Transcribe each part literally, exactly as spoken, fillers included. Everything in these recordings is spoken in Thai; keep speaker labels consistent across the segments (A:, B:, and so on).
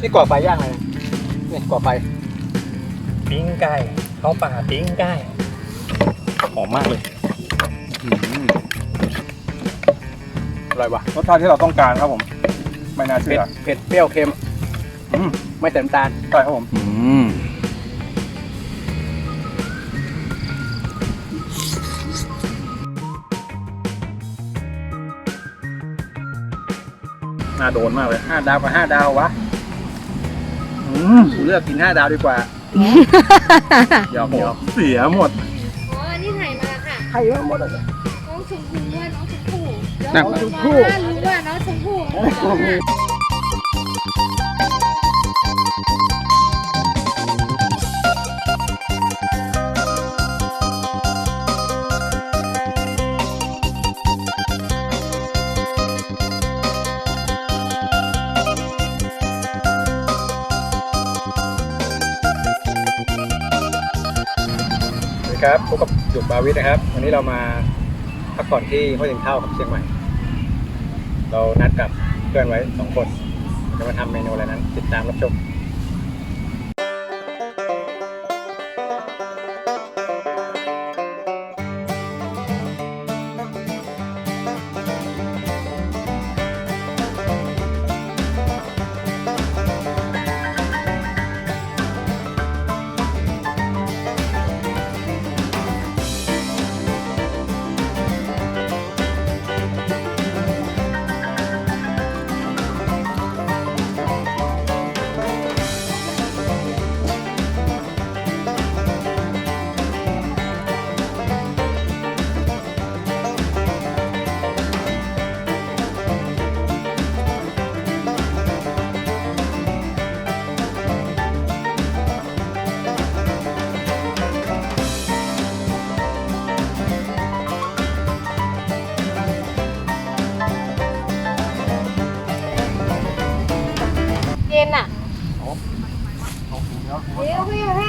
A: นี่ก่อไฟย่างอะไรนี่ก่อไฟ
B: ปิ้งไก่เข้าป่าปิ้งไก่หอมมากเลย
A: อร่อยวะ
C: รสชาติที่เราต้องการครับผมไม่น่าเชื่
A: เผ็ด
C: อ
A: เผ็ดเปรี้ยวเค็มไม่เติมตาล
C: ใช่ครับผมน่าโดนมากเลย
A: ห้าดาวกับห้าดาววะอืมกูเลือกกินห้าดาวดีกว่าหยอกหยอก
C: เสียหมด
D: อ๋ออันนี้ถ่ายมาค่ะ
A: ใครว่าหมดอ่ะ
D: น้องชมพู่ว่าน้องชมพู่
A: น้องชมพู่
D: รู้ว่าน้องชมพู่
A: ครับพบกับจุกบาวิทนะครับวันนี้เรามาพักผ่อนที่ห้วยถึงเท่ากับเชียงใหม่เรานัดกับเพื่อนไว้สองคนจะมาทำเมนูอะไรนั้นติดตามรับชม
D: เย็นอ่ะเดี๋ยวพี่พี่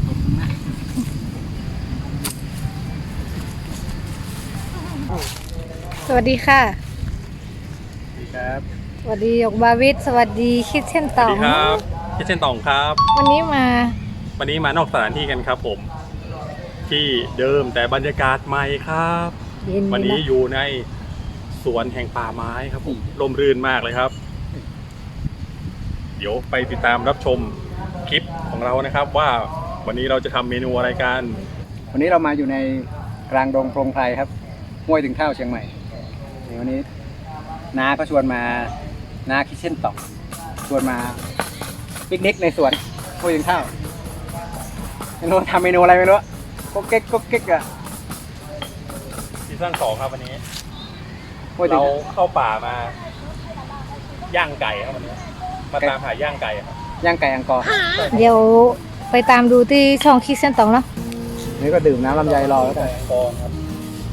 D: สวัสดีค่ะ
A: สวัสดีครับ
D: สวัสดีหยกบาวิทสวัสดีคิดเช่นตอง
B: สวัสดีครับคิดเช่นตองครับ
D: วันนี้มา
B: วันนี้มานอกสถานที่กันครับผมที่เดิมแต่บรรยากาศใหม่ครับวันนี้อยู่ในสวนแห่งป่าไม้ครับผมร่มรื่นมากเลยครับเดี๋ยวไปติดตามรับชมคลิปของเรานะครับว่าวันนี้เราจะทำเมนูอะไรกัน
A: วันนี้เรามาอยู่ในกลางดงโพรงไพรครับห้วยถึงเท่าเชียงใหม่วันนี้น้าก็ชวนมาน้าคิดเช่นต่อชวนมาปิกนิกในสวนห้วยถึงเท่าไม่รู้ทำเมนูอะไรไม่รู้ก็เก๊กก็เก๊กอะ
B: ซีซั่นสองครับวันนี้เราเข้าป่ามาย่างไก่ครับวันนี้มาตามหาย่างไก่ครับ
A: ย่างไก่อังกอร์
D: เดี๋ยวไปตามดูที่ช่องคิดเส้นตองเนาะ
A: นี่ก็ดื่มน้ำลำไยรอแล้วกัน
B: อังกอร์ครับ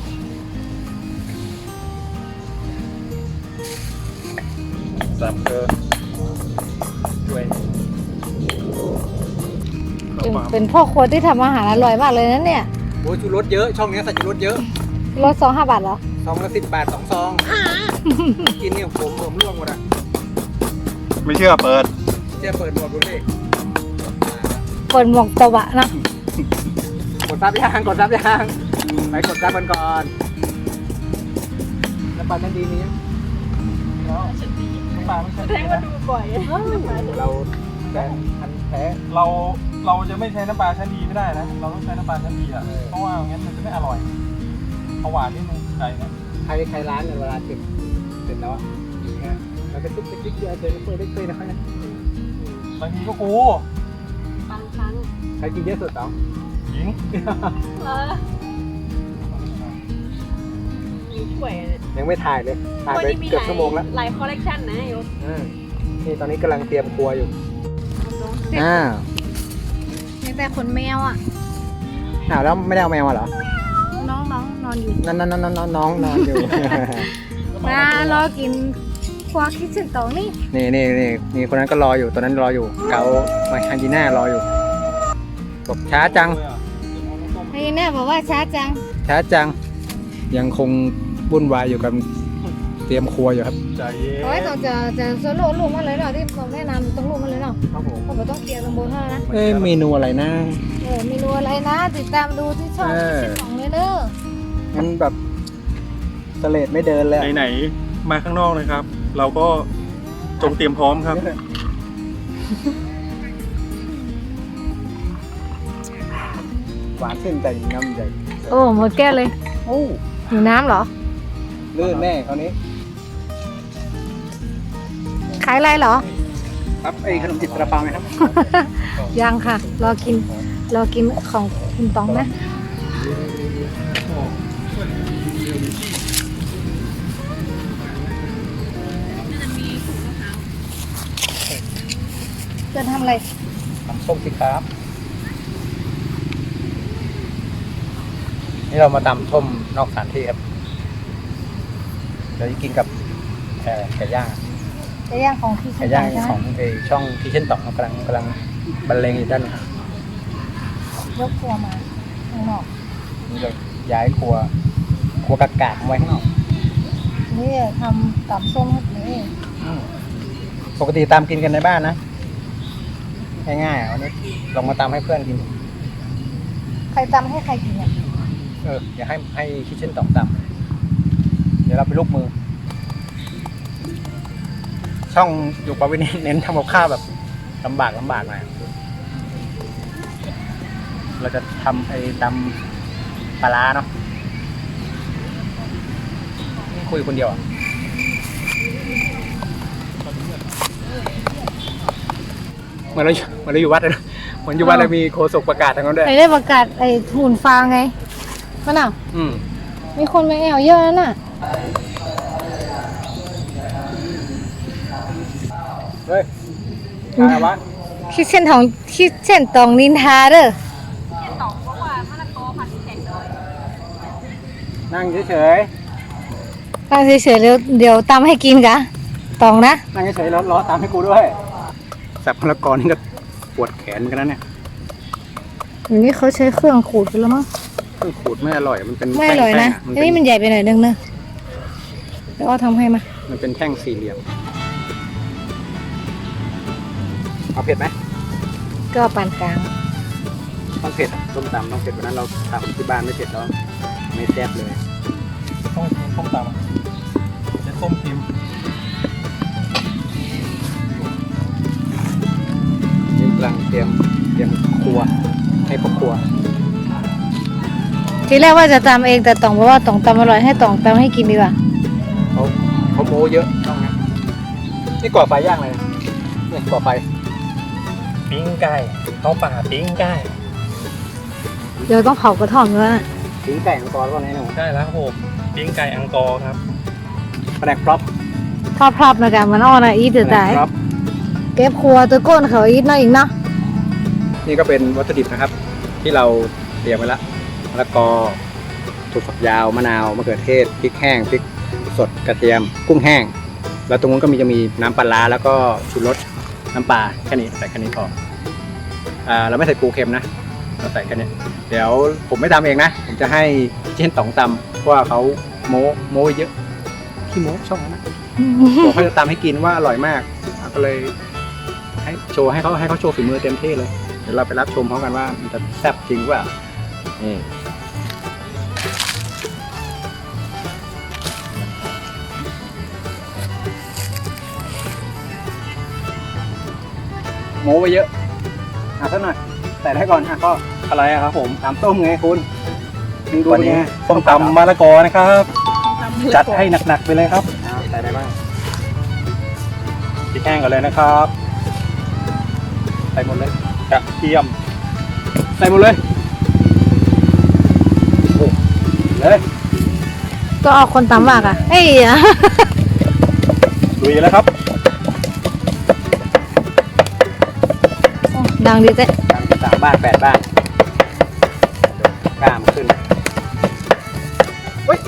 B: สับเกลือด้วย
D: เป็นพ่อครัวที่ทำอาหารอร่อยมากเลยนะเนี่ย
A: โอ้ชูรสเยอะช่องนี้ใส่ชูรสเยอะ
D: รสสองห้าบาทเหรอ
A: ซองละสิบบาทสองซองกินเนี่ยผมผมร่วงหมดอ่ะ
C: ไม่เชื่อเปิด
A: เชื่อเปิดหมวกดูสิ
D: เปิดหมวกตะวะนะ
A: กดซับยางกดซับยางไปกดซับกันก่อนแล้วปลาชั้นดีนี้แล้วปลาไม่ใช่แท้มาดูบ่อยเราแต่อันแท้
B: เราเราจะไม่ใช้น้ำปลาชั้นดีไม่ได้นะเราต้องใช้น้ำปลาชั้นดีอ่ะเพราะว่างั้นมันจะไม่อร่อยเอาหวานนิดนึงไก่นะ
A: ใครใครร้านเนี่ยเวลาเสร็จเสร็จแล้วเราจะตุ๊กติ๊กติ๊กเยอะเจอเปิดได้เคยนะเขาเนี่ย
B: บางทีก็กู
D: บางครั้ง
A: ใครกินเยอะสุดเต๋อ
B: หญิง
D: เออมีถ้วย
A: ยังไม่ถ่ายเลยถ่ายไปเกือบชั่วโมงแล้ว
D: หลายคอลเลกชันนะโยม
A: นี่ตอนนี้กำลังเตรียมครัวอยู่อ้าว
D: มีแต่ขนแมวอ่ะ
A: อ้าวแล้วไม่ได้เอาแมวมาเหรอ
D: น้องน้องนอนอยู่
A: นั่นนั่นนั่นน้องน้องนอนอยู่
D: มารอกินครัวคิดถึงตองนี่
A: นี่นี่นี่นี่คนนั้นก็รออยู่ตัวนั้นรออยู่เกาไมฮันจีน่ารออยู่บอกช้าจัง
D: ไอ้แน่บอกว่าช้าจัง
A: ช้าจังยังคงวุ่นวายอยู่กับเตรียมครัวอยู่ครับ
B: ใจเย็น
D: โอ้ยต้องจะจะโซโล่ลูกมาเลยเนาะที่ผมแนะนำต้องลูกมาเลยเนาะ
B: ครับผม
D: ผมต้องเคลียร์ตรงบนเท่านั้นนะ
A: เอ้ยเมนูอะไรนะ
D: เออเมนูอะไรนะ ติดตามดูที่ช่อง
A: เออ
D: ที่ของเลยเด้อ
A: มันแบบสเลดไม่เดินเลยอะ
B: ไหนๆมาข้างนอกนะครับ เราก็จงเตรียมพร้อมครับ
A: หวานขึ้นแต่น้ำใหญ่
D: โอ้หมดแก้วเลย
A: โอ้
D: หิวน้ำเหรอ
A: ลื่นแน่คราวนี้
D: ขายอะไรเหรอ
A: ครับไอ้ขนมจิบกระเปาไหมครับ
D: ยังค่ะ รอกิน รอกินของคุณตองนะ จะทำอะไร
A: น้ำส้มสิครับ นี่เรามาตำส้มนอกสถานที่ครับเราจะกินกับเอ่อไก่ย่าง
D: จะย่างของพี่
A: ไก่ย่าง
D: ใช่ไหม
A: ของไอ้ช่องที่เช่นต่องกำลังกำลังบรรเลงอยู่ด้านหลัง
D: ยกครัวมาข้างนอก
A: นี่เราย้ายครัว ครัวกากาไว้ข้างนอก
D: นี่ทำกับส้มให้กินเอง
A: ปกติตามกินกันในบ้านนะ ง่ายๆอ่ะวันนี้ลองมาตามให้เพื่อนกิน
D: ใครตำให้ใครกินเนี่ย
A: เอออย่าให้ให้คิเช่นต่องตามเดี๋ยวเราไปลูกมือ ช่องอยู่ปาวินเน้นทำกับข้าวแบบลำบากลำบากหน่อยเราจะทำไอ้ตำปลาร้าเนาะนี่คุยคนเดียวอ่ะเหมือนเราอยู่เหมือนเราอยู่วัดเลยนะเหมือนอยู่วัดเรามีโฆษกประกาศทางนั้นด้วย
D: ใครได้ประกาศไอ้หุ่นฟางไงมันอ่ะ
A: อืม
D: มีคนมาแอวเยอะแล้วน่ะ
A: เฮ้ยอะไรวะ
D: คิดเส้นทองคิดเส้นตองนินทาเด้อ
A: นั่งเฉย
D: ตั้งเฉยๆเดี๋ยวเดี๋ยวตำให้กินกะตองนะ
A: ๆนั่งเฉยๆแล้วล้อตามให้กูด้วยสับพลกรนี่ก็ปวดแขนเหมือนกันนะเนี่ย
D: อย่างนี้เขาใช้เครื่องขูดกันแล้วมั้ง
A: เครื่องขูดไม่อร่อยมันเป็น
D: ไม่อร่อยนะ
A: แท่งๆ
D: อันนี้มันใหญ่ไปหน่อยนึงเนอะเดี๋ยวอ้อทำให้มา
A: มันเป็นแท่งสี่เหลี่ยมเอาเผ็ดไหม
D: ก็ปานกลาง
A: ต้องเผ็ดอะส้มตำต้องเผ็ดวันนั้นเราทำที่บ้านไม่เผ็ดแล้วไม่แซ่บเลย
B: ต้องส้มตำเจะส้มพิมพ์
A: นี่กำลังเตรียมเตรียมครัวให้ครอบครัว
D: ทีแรกว่าจะตำเองแต่ตองบอกว่าตองตำอร่อยให้ตองตำให้กินดีกว่า
A: เขาเขาโม้เยอะช่องนี้นี่ก่อไฟย่างเลยเนี่ยก่อไฟ
B: ปิ้งไก่เขาป่าปิ้งไก่
D: เดี๋ยวต้องเผากระท่อมด้วยนะ
A: ถึงไก่มังกรว่าไงหนู
B: ได้แล้วครับผมปิ้งไก่อังกอร์ครับ
A: แผนกพร็อพ
D: ทอดพรับนะกันมันอ้อนะอีทเดือด
A: แผน
D: ตาก ย
A: พร็อพ
D: เก็บครัวตัวก้นเขาอีทเนาะอีกเนาะ
A: นี่ก็เป็นวัตถุดิบนะครับ ที่เราเตรียมไว้แล้วมะละกอถั่วฝักยาวมะนาวมะเขือเทศพริกแห้งพริกสดกระเทียมกุ้งแห้ง แล้วตรงนู้นก็มีจะมีน้ำปลาร้าแล้วก็ชูรสน้ำปลาแค่นี้ใส่แค่นี้พออ่าเราไม่ใส่ปูเค็มนะเราใส่แค่นี้เดี๋ยวผมไม่ทำเองนะผมจะให้เช่นต๋องตำเพราะว่าเขาโม้โม้เยอะขี้โม้ช่องนั้นนะบอกเขาจะตำให้กินว่าอร่อยมากก็เลยให้โชว์ให้เขาให้เขาโชว์ฝีมือเต็มที่เลยเดี๋ยวเราไปรับชมพร้อมกันว่ามันจะแซ่บจริงหรือเปล่านี่โม้ไปเยอะอ่ะสักหน่อยใส่ได้ก่อนอ่ะก็
B: อะไรอะครับผม
A: ตามต้มไงคุณมึงดู
B: วันนี้
A: ไง
B: ส้มตำมะละกอนะครับ จัดให้หนักๆไปเลยครับ
A: อ่าใส่ได้บ้าง
B: พริกแห้งก่อนเลยนะครับ
A: ใส่หมดเลย
B: กระเทียม
A: ใส่หมดเลยโอ้เลย
D: ก็เอาคนตำมากอ่ะเอ้ยอะ
B: ลุยแล้วครับ
D: ดังดีเจ๊
A: ทำสามบ้านแปดบ้านกล้ามขึ้นเฮ้ย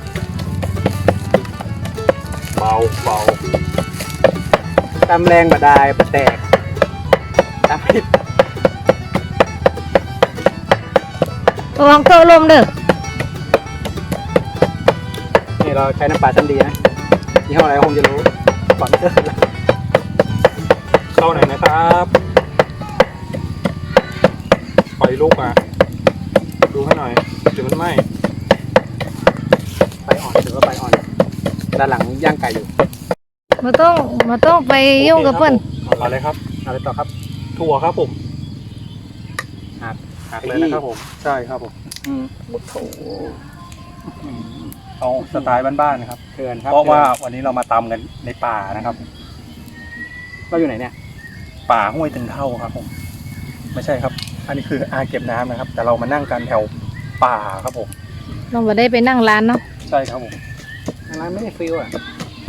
B: เบาเบา
A: ตำแรงบดายบดแตกตำผิด
D: ระวังเกลือลมเด้อ
A: นี่เราใช้น้ำปลาชั้นดีนะยี่ห้ออะไรคงจะรู้สปอนเซอร์
B: เข้าหน่อยนะครับไฟลุกอ่ะดูให้หน่อยเดี๋ยวมันไหม้
A: ไฟอ่อนถือว่าไฟอ่อนด้านหลังย่างไก่อยู่
D: มาต้องมาต้องไปยุ่งกับเพื่อน
B: เอาเลยครับ
A: อะไรต่อครับ
B: ถั่วครับผม
A: หัก
B: หักเลยนะครับผมใช่ครับผม
A: อืมโถ
B: เอาสไตล์บ้านๆนะครับ
A: เถื่อนครับ
B: เพราะว่าวันนี้เรามาตำกันในป่านะครับ
A: เราอยู่ไหนเนี่ย
B: ป่าห้วยตึงเท่าครับผมไม่ใช่ครับ อันนี้คืออ่างเก็บน้ำนะครับ แต่เรามานั่งกันแถวป่าครับผม
D: เราไม่ได้ไปนั่งร้านเนาะ
B: ใช่ครับผม
A: ร้านไม่ได้ฟิลอ่ะ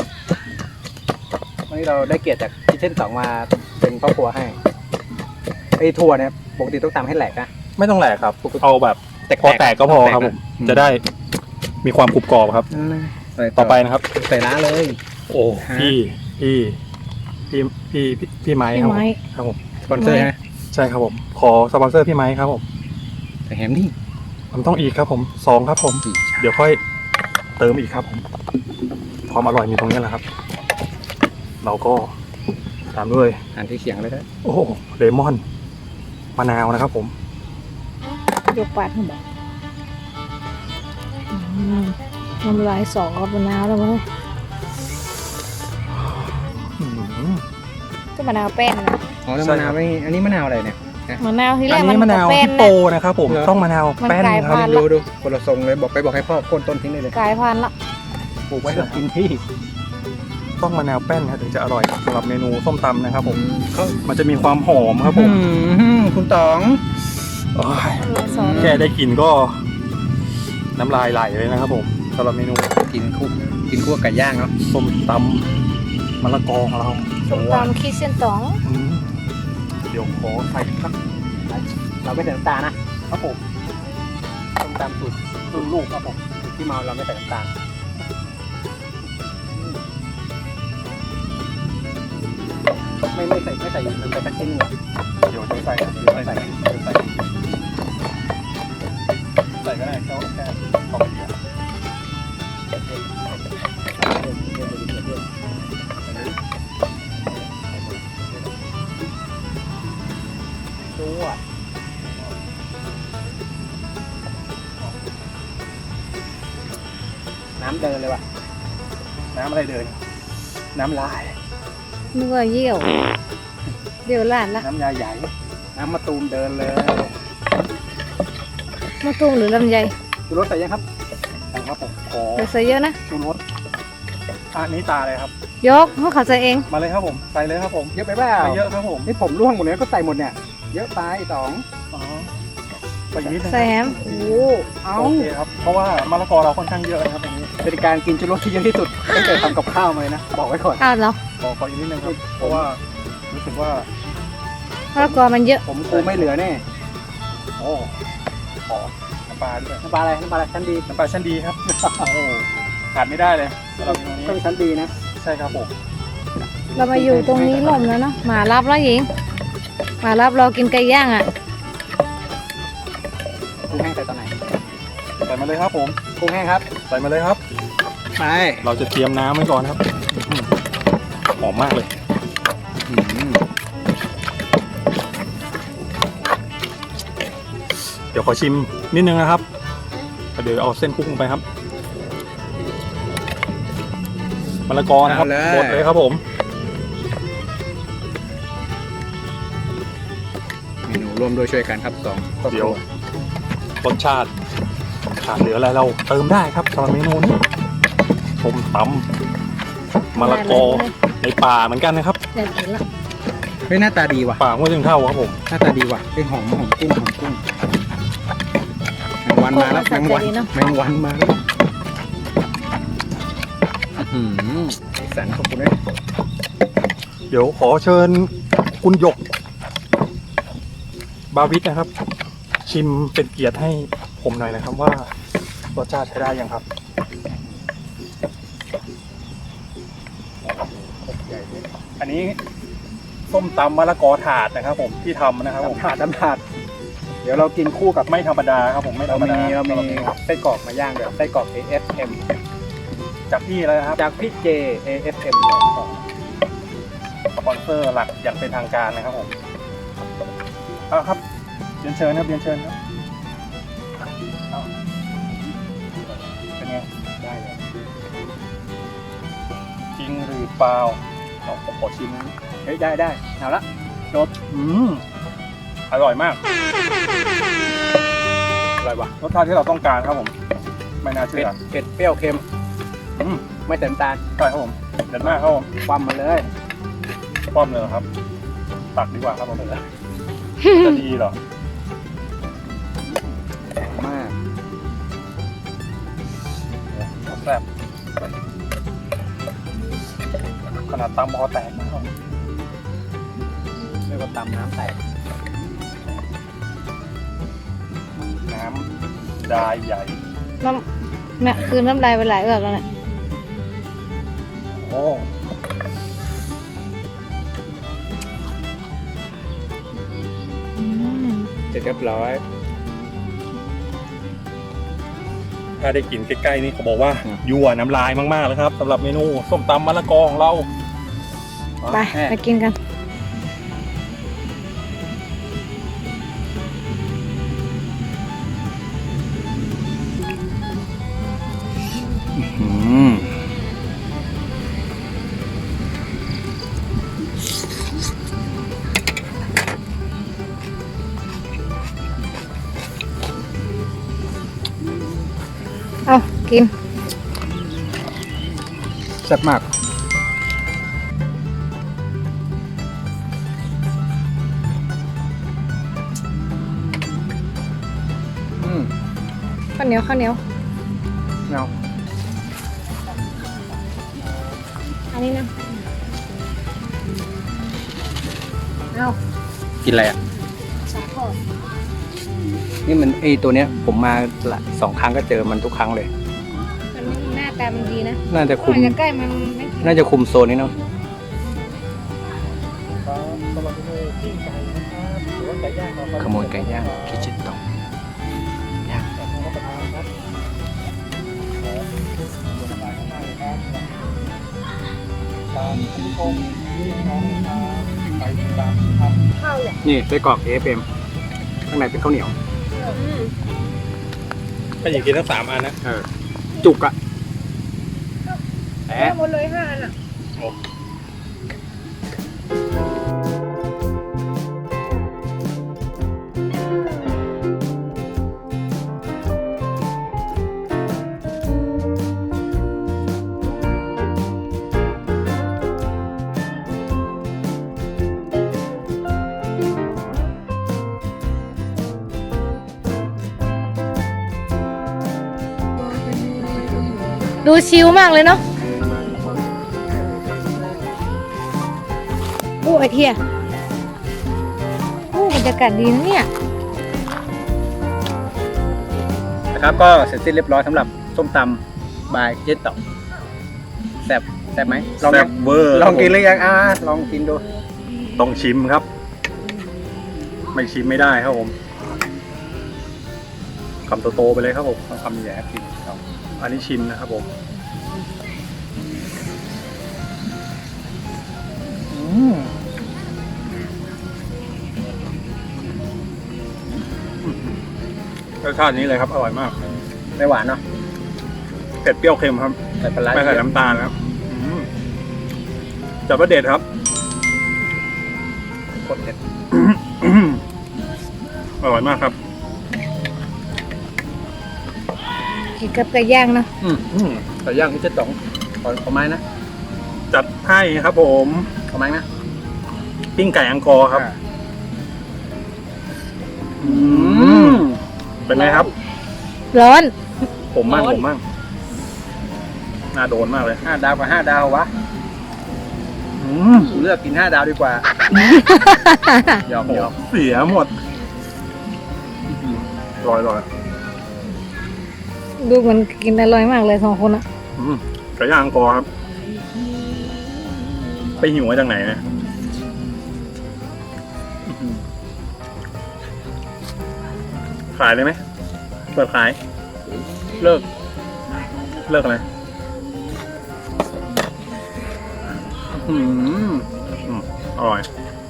A: วันนี้เราได้เกียรติจากคิเช่นสองมาเป็นพ่อครัวให้ไอ้ถั่วเนี่ยปกติต้องตำให้แหลกนะ
B: ไม่ต้องแหลกครับเอาแบบพอแตกก็พอครับผมจะได้มีความกรุบกรอบครับ ต่อไปนะครับ
A: ใส่ร้านเลย
B: โอ้พี่พี่พี่พี่พี่พี่ไม้ครับผม
D: พี่ไม้
B: ครับผม
A: สปอนเซอร์ฮะ
B: ใช่ครับผมขอสปอนเซอร์พี่ไม้ครับผม
A: ใส่แฮมนี่
B: มันต้องอีกครับผมสองครับผม เดี๋ยวค่อยเติมอีกครับผมความอร่อยมีตรงนี้แหละครับ เราก็ตามด้วย
A: อ่านที่เขียงเลยนะ
B: โอ้เลมอนมะนาวนะครับผม
D: ยกปาดให้บอกอืมน้ำลายสองกับมะนาวแล้วมั้ง
B: อื้อหือ
D: ก็มะนาวแป้นนะ
A: อ๋อแล้ว
B: ใช่
A: มะ
B: ครั
A: นาว
B: บ
A: ไม่อันนี้มะนาวอะไรเนี่ย
D: มะนาวที่แร
B: อั
D: ก
B: น
D: มั
B: นี้
D: น
B: มะนาว
D: แป้น
B: ฮิปโป
D: นะ
B: นะครับผม
A: เหรอ
B: ต้องมะนาว
D: มัน
B: แป้น
D: กลาย
B: ครับ
D: พันธุ์
A: ดูดูคนละทรงเลยบอกไปบอกให้พ่อโค่นต้นทิ้งเลยเลย
D: กลายพันธุ์ละ
A: ปลูกไว้แล้วกินที่
B: ต้องมะนาวแป้นครับถึงจะอร่อยสำหรับเมนูส้มตำนะครับผม
A: เขา
B: มันจะมีความหอมครับผม
A: อืมคุณต๋อง
B: โอ้ย
D: สอง
B: แค่ได้กลินก็น้ำลายไหลเลยนะครับผมสำหรับเมนู
A: กินคู่กินคู่กับไก่ย่างเนาะ
B: ส้มตำมะละกอของเรา
D: ส้มตำคิดเส้นตอง
B: อืมเดี๋ยวขอใส่ครับ
A: เราไม่ใส่น้ำตาลนะครับ
B: ผม
A: ต้มตำสูตรรุ่นลูกครับผมสูตรที่เมาเราไม่ใส่น้ำตาลไม่ไม่ใส่ไม่ใส่น้ำตาลสักชิ้นหนึ่ง
B: เดี๋ยวจะใส่ครับเดี๋ยวใส่ใส่เดี๋ยวใส่ใส่ก็ได้แค่แค่พอดีอะ
A: ดูอ่ะน้ำเดินเลยว่ะ
B: น้ำอะไรเดิน น้ำลาย
D: นึกว่าเยี่ยวเดี๋ยวลาดละ
B: น้ำยาใหญ่
A: น้ำมะตูมเดินเลย
D: มะตูมหรือลำไย
A: ดูรสใส่ยังครับ
B: นะครับผมขอ
D: เดี๋ยวใส่เยอะนะ
B: ชูรสอันนี้ตาเลยครับ
D: ยกเพราะเขาใส่เอง
B: มาเลยครับผมใส่เลยครับผม
A: เยอะไปเปล่า
B: ไม่เยอะครับผม
A: นี่ผมร่วงหมดเลยก็ใส่หมดเนี่ย เยอะไปสอง
B: อ๋อไปอีกนิดนึง
D: ใส่แฮม
A: โอ้เอา
B: โอเคครับเพราะว่ามะละกอเราค่อนข้างเยอะนะครับตรงนี้
A: เป็นการกินชูรสที่เยอะที่สุดตั้งแต่ทำกับข้าวมาเลยนะ บอกไว้ก่อน
D: อ้าวเหรอ
B: ขอขออีกนิดนึงครับเพราะว่ารู้สึกว่า
D: มะละกอมันเยอะ
A: ผมกูไม่เหลือแน่
B: โอ้ขอน้ำปลาด้วย
A: น้ำปลาอะไรน้ำปลาอะไรชั้นดี
B: น้ำปลาชั้นดีครับ โอ้โหขาดไม่ได้เลยสำหรับเมนูนี้
A: ต้องชั้นดีนะ
B: ใช่ครับผม
D: เรามาอยู่ตรงนี้ลมแล้วเนาะหมารับแล้วหญิงหมารับเรากินไก่ย่างอ่ะ
A: กุ้งแห้งใส่ตอนไหน
B: ใส่มาเลยครับผม
A: กุ้งแห้งครับ
B: ใส่มาเลยครับ
A: ไป
B: เราจะเตรียมน้ำไว้ก่อนครับอื้อหือหอมมากเลย เดี๋ยวขอชิมนิดนึงนะครับเดี๋ยวเอาเส้นคลุกลงไปครับมะละกอนะครับหมดเลยครับผม
A: เมนูร่วมด้วยช่วยกันครับสองครอบค
B: เดี๋ยว
A: รัว
B: รสชาติขาดเหลืออะไรเราเติมได้ครับสำหรับเมนูนี้ส้มตำมะละกอในป่าเหมือนกันนะครับ
D: เดี๋ยวกินละ
A: เฮ้ยหน้าตาดีว่ะ
B: ป่าห้วยถึงเท่าครับผม
A: หน้าตาดีว่ะเป็นหอมหอมกุ้งหอมกุ้งแมงวันมาแล้วแมงวันแมงวันมาแล้วอื้อหือสีสันขอบคุณนะ
B: เดี๋ยวขอเชิญคุณหยก บาวิทนะครับ ชิมเป็นเกียรติให้ผมหน่อยนะครับว่ารสชาติใช้ได้ยังครับ อันนี้ส้มตำมะละกอถาดนะครับ ผมที่ทำนะครับผม
A: น้ำถาดน้ำถาดเดี๋ยวเรากินคู่กับ
B: ไม่ธรรมดาครับผมไม่ธร
A: เรา
B: รม
A: มี
B: ดา
A: เรามีไส้กรอกมาย่างด้วยไส้กรอก เอ เอส เอ็ม
C: จากพี่อะไรนะครับ
A: จากพี่เจ เอ เอฟ เอ็ม
C: สปอนเซอร์หลักอย่างเป็นทางการนะครับผมเอาครับเรียนเชิญครับเรียนเชิญครับเอาเป็นไงได้เลยจริงหรือเปล่าเอาผมขอชิมนะ
A: เฮ้ยได้ได้เอาละจบ
C: อืมอร่อยมาก
A: อร่อยว่ะ
C: รสชาติที่เราต้องการครับผม ไม่น่า
A: เผ็
C: เชื่
A: ด
C: อ
A: เผ็ดเปรี้ยวเค็ม
C: อืม
A: ไม่เต็มตาล
C: ใช่ครับผมเด็ดมากครับผม
A: ความมาเลย
C: ป้อมเลยเหรอครับ ตักดีกว่าครับผมจะดีเหรอ
A: มาก
C: แซ่บขนาดตำมอแตกนะครับ
A: เรียกว่าตำน้ำแตก
C: น้ำดายใหญ่
D: น้ำเนี่ยคือน้ำลายไปหลายเอือกแล้วเนี่ย
C: โอ้
D: อืม
A: เสร็จเรียบร้อย
C: ถ้าได้กินใกล้ๆนี่เขาบอกว่า
A: อืม
C: ยั่วน้ำลายมากๆเลยครับสำหรับเมนูส้มตำมะละกอของเรา
D: ไปไปกินกัน
C: อืม
D: เอากิน
A: แซ่บมาก อืม
D: ข้าวเหนียวข้าวเหนียว
A: เงา
D: อันนี้นะเอา
A: กินอะไรอ่ะ
D: สาทอด
A: นี่มันไอตัวเนี้ย ผมมาละสองครั้งก็เจอมันทุกครั้งเลย
D: มันหน้าตามันดีนะ
A: น่าจะคุม
D: อาจจะใกล้มันไม่ถึง
A: น่าจะคุมโซนนี้เนาะ
C: สำหรับเมนูปิ้งไก่นะครับหรือว่าไก่ย่างเรา
A: ขโมยไก่ย่างคิชิโตะย่าง
C: รับประทานครับขอตัวน้ำลายมากๆเลยครับตามที่ชมที่น้องนะครับไปติดตามครับ
D: ข้าวเหรอ
A: นี่ไส้กรอก เอ เอฟ เอ็ม ข้างในเป็นข้าวเหนียว
D: อืม
C: ถ้าอยากกินทั้งสามอันนะ
A: เออ จุกอะแห
D: ได้
A: ม
D: หมดเลยห้าอันอ่ะ ดูชิลมากเลยเนาะโอ้ไอเทียโอ้บรรยากาศดีนะเนี่ย
A: นะครับ ก็เสร็จสิ้นเรียบร้อยสำหรับส้มตำบายเจ๊ต่อแซ่บแซ่บไหมลอง
C: แซ่
A: ยั
C: บ
A: ง
C: เวอร์
A: ลองกินหรือยังอ่าลองกินดู
C: ต้องชิมครับ ไม่ชิมไม่ได้ครับผมคำโตๆไปเลยครับผม
A: คำใหญ่กินครับ
C: อันนี้ชิมนะครับผมอืมรสชาตินี้เลยครับ อร่อยมาก
A: ไม่หวานเนาะ
C: เผ็ดเปรี้ยวเค็มครับ
A: ใส่ปลาร้า
C: ไม่ใส่น้ำตาลครับอืมจับว่าเด็ดครับ
A: โคตรเด็ด
C: อร่อยมากครับ
D: กินกับไก่ย่างเนาะ
A: อืมอืมไก่ย่างที่เจ๊ต๋องขอขอไม้นะ
C: จัดให้ครับผม
A: ขอไม้นะ
C: ปิ้งไก่อังกอร์ครับ
A: อ่า
C: อืมเป็นไงครับ
D: ร้อน
C: ผมมั่ง
D: ร้อน
C: ผมมั่งน่าโดนมากเลย
A: ห้าดาวกับห้าดาววะ
C: อืม
A: เลือกกินห้าดาวดีกว่าหยอก
C: โอ้
A: หยอก
C: เสียหมดลอยลอย
D: ดูเหมือนกินอร่อยมากเลยสองคนอะ
C: อืมไก่ย่างอังกอร์ครับ ไปหิวมาจากไหนเนี่ยอื้อหือขายเลยไหมเปิดขาย
A: เลิก
C: เลิกอะไรอืมอืมอร่อย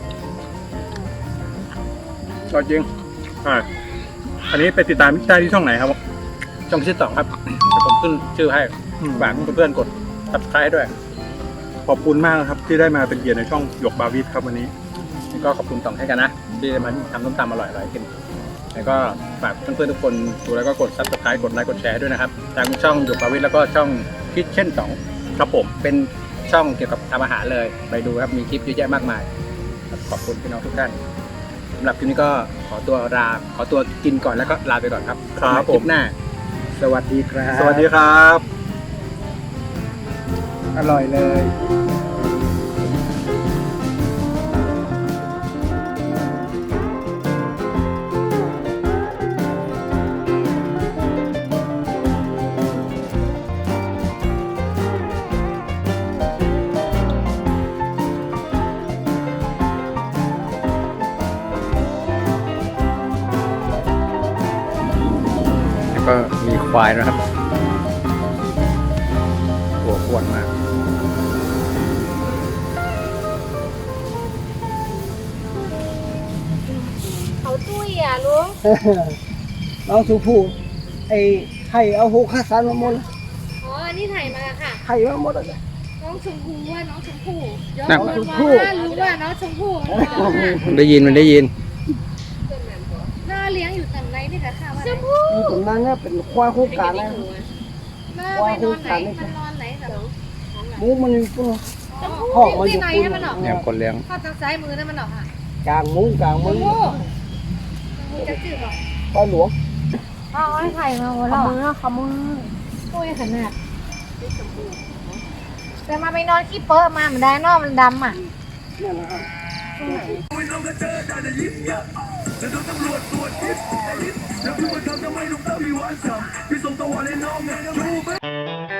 C: อร่อยจริงใช่อันนี้ไปติดตามได้ที่ช่องไหนครับ
A: ช่องที่สองครับเดี๋ยวผมขึ้นชื่อให้
C: อืม
A: ฝากเพื่อนๆกด subscribe ด้วย
C: ขอบคุณมากนะครับ ที่ได้มาเป็นเกียรติในช่องหยกบาวิทครับวันนี้
A: แล้วก็ขอบคุณต่องให้กันนะ ที่มาทำต้มตำอร่อยๆกิน แล้วก็ฝากเพื่อนๆทุกคนดูแล้วก็กด subscribe กดไลค์กดแชร์ด้วยนะครับทางช่องหยกบาวิทแล้วก็ช่องคิดเช่นสอง
C: ครับผม
A: เป็นช่องเกี่ยวกับทำอาหารเลยไปดูครับมีคลิปเยอะแยะมากมายครับขอบคุณพี่น้องทุกท่านสำหรับคลิปนี้ก็ขอตัวลาขอตัวกินก่อนแล้วก็ลาไปก่อนครับ
C: ครับ
A: คลิปหน้า สวัสดีครับ
C: สวัสดีครับ
A: อร่อยเลย แล้วก็มีควายนะครับตัวอ้วนมาก
D: เขาตุ้ยอ่ะลุง
E: น้องสุภูไอ้ไข่เอาหูข้าสารมาหมด
D: อ๋ออันนี้ถ่ายมาค่ะ
E: ไข่มาหมดเลย
D: น้องชมพู่ว่าน้องชมพู่ย้อน
A: นั่ง
D: มา
E: ชมพู่
D: ว่ารู้ว่าน้องชมพู่
A: มันได้ยินมันได้ยิน
D: น่าเลี้ยงอยู่แต่ไหนนี่แหละค่ะว่าชมพู่
E: อยู่ตรงนั้นเนี่ยเป็นควายคู่กันนะ
D: น่าไปนอนไหนมันนอนไหนเหรอ
E: หมูมันตัว
D: ชมพู่
E: ห้องมันอยู่
D: ที่ไหน
E: ปุ่น
D: ให้มันออก
A: เนี่ยคนเลี้ยง
D: ข้อทางซ้ายมือนั่นมันออกค่ะ
E: กลางมุ้งกลาง
D: ช
E: มุ้
D: ม
E: ง
D: พู่ชมพู่จะจืดหรอ
E: ปลาหลวง
D: อ๋อไอ้ไข่มาหัวเราะขมือตุ้ยขนาดแต่มาไปนอนขี้เปอะมามันได้นอกมันดำอ่ะ
E: นั่นนะครับ
F: แล้วพี่มาทำทำไมลูกตาพี่หวานฉ่ำพี่ส่งตะวันให้น้องไงนะรู้ไหม